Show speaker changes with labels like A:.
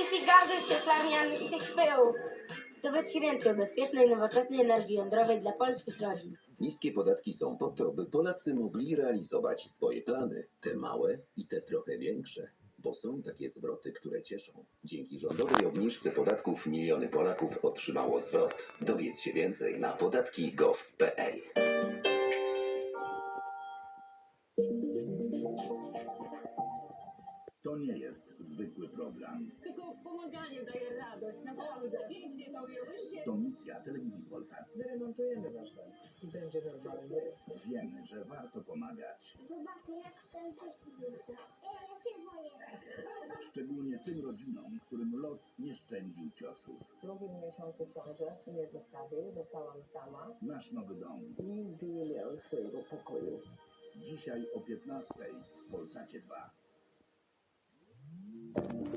A: emisji gazów cieplarnianych i tych pyłów. Dowiedzcie więcej o bezpiecznej, nowoczesnej energii jądrowej dla polskich rodzin.
B: Niskie podatki są po to, by Polacy mogli realizować swoje plany. Te małe i te trochę większe. Bo są takie zwroty, które cieszą. Dzięki rządowej obniżce podatków miliony Polaków otrzymało zwrot. Dowiedz się więcej na podatki.gov.pl.
C: To nie jest zwykły program.
D: Tylko pomaganie daje radość, naprawdę. Pięknie to ujęłyście.
C: To misja telewizji Polsat.
E: Wyremontujemy wasz dom i będzie normalny.
C: Wiemy, że warto pomagać.
F: Zobaczę, jak ten też widzę. Ja się boję.
C: Szczególnie tym rodzinom, którym los nie szczędził ciosów.
E: W drugim miesiącu ciąży mnie zostawił, zostałam sama.
C: Nasz nowy dom.
E: Nigdy nie miałam swojego pokoju.
C: Dzisiaj o 15:00 w Polsacie 2.